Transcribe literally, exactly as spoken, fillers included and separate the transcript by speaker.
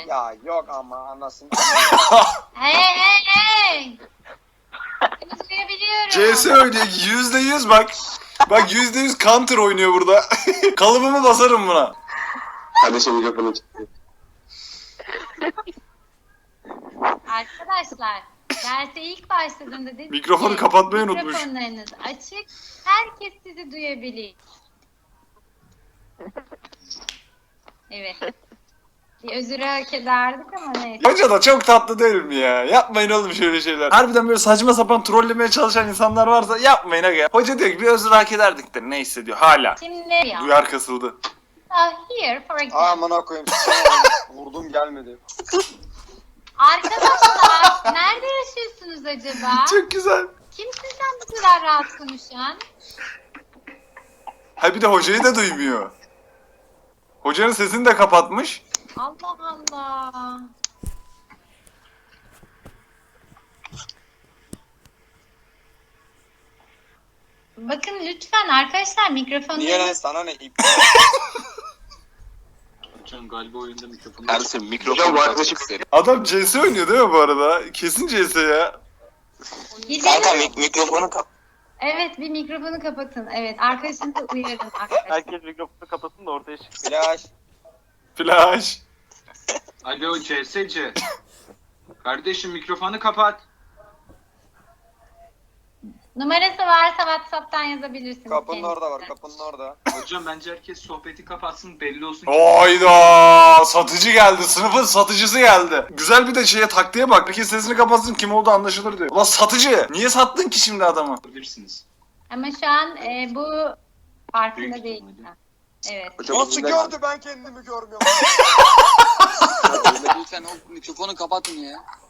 Speaker 1: Ya yok ama anasını.
Speaker 2: Hey hey hey. Seni duyabiliyorum.
Speaker 3: C S oynuyor yüzde yüz bak. Bak yüzde yüz counter oynuyor burada. Kalıbımı basarım buna.
Speaker 4: Kardeşim mikrofonu çıktı.
Speaker 2: Arkadaşlar derse ilk başladığında dedim
Speaker 3: Mikrofonu
Speaker 2: ki,
Speaker 3: kapatmayı unutmuş.
Speaker 2: Mikrofonlarınız açık. Herkes sizi duyabilir. Evet. Bir özür hak ederdik ama neyse.
Speaker 3: Hoca da çok tatlı değil mi ya? Yapmayın oğlum şöyle şeyler. Harbiden böyle saçma sapan trollemeye çalışan insanlar varsa yapmayın aga. Hoca diyor ki bir özür hak ederdik de neyse diyor hala.
Speaker 2: Şimdi ya.
Speaker 3: Duyar kasıldı.
Speaker 2: So here for example.
Speaker 1: Amına koyayım. Vurdum gelmedi.
Speaker 2: Arkadaşlar nerede yaşıyorsunuz acaba?
Speaker 3: Çok güzel.
Speaker 2: Kim sizden bu kadar rahat konuşan?
Speaker 3: Ha bir de hocayı da duymuyor. Hocanın sesini de kapatmış.
Speaker 2: Allah Allah. Bakın lütfen arkadaşlar mikrofonları...
Speaker 1: Niye lan sana ne ip?
Speaker 5: Hocam galiba oyunda mikrofonu
Speaker 4: Ersin
Speaker 5: açık.
Speaker 4: mikrofonu
Speaker 5: Hocam bu
Speaker 4: açık
Speaker 5: arkadaşım
Speaker 4: senin.
Speaker 3: Adam C S oynuyor değil mi bu arada? Kesin C S ya.
Speaker 2: Gidelim.
Speaker 4: mik mikrofonu kap.
Speaker 2: Evet bir mikrofonu kapatın. Evet arkadaşınızı uyarın arkadaşlar.
Speaker 6: Herkes mikrofonu kapatsın da ortaya çıksın.
Speaker 1: Flash.
Speaker 3: Flash.
Speaker 5: Alo C S C. Kardeşim mikrofonu kapat.
Speaker 2: Numarası varsa WhatsApp'tan yazabilirsiniz.
Speaker 1: Kapının
Speaker 2: kendisine.
Speaker 1: orada var. Kapının orada.
Speaker 5: Hocam bence herkes sohbeti kapatsın belli olsun. ki-
Speaker 3: Hayda satıcı geldi. Sınıfın satıcısı geldi. Güzel bir de şeye taktiğe bak. Herkes sesini kapatsın kim olduğu anlaşılır diyor. Ulan satıcı. Niye sattın ki şimdi adamı?
Speaker 5: Bilirsiniz.
Speaker 2: Ama şu an e, bu farkında
Speaker 5: Büyük
Speaker 2: değil.
Speaker 5: ihtimalle.
Speaker 2: Evet.
Speaker 4: Hocam
Speaker 1: Nasıl
Speaker 4: bizden-
Speaker 1: gördü ben kendimi görmüyorum.
Speaker 7: Lütfen o mikrofonu kapatın ya.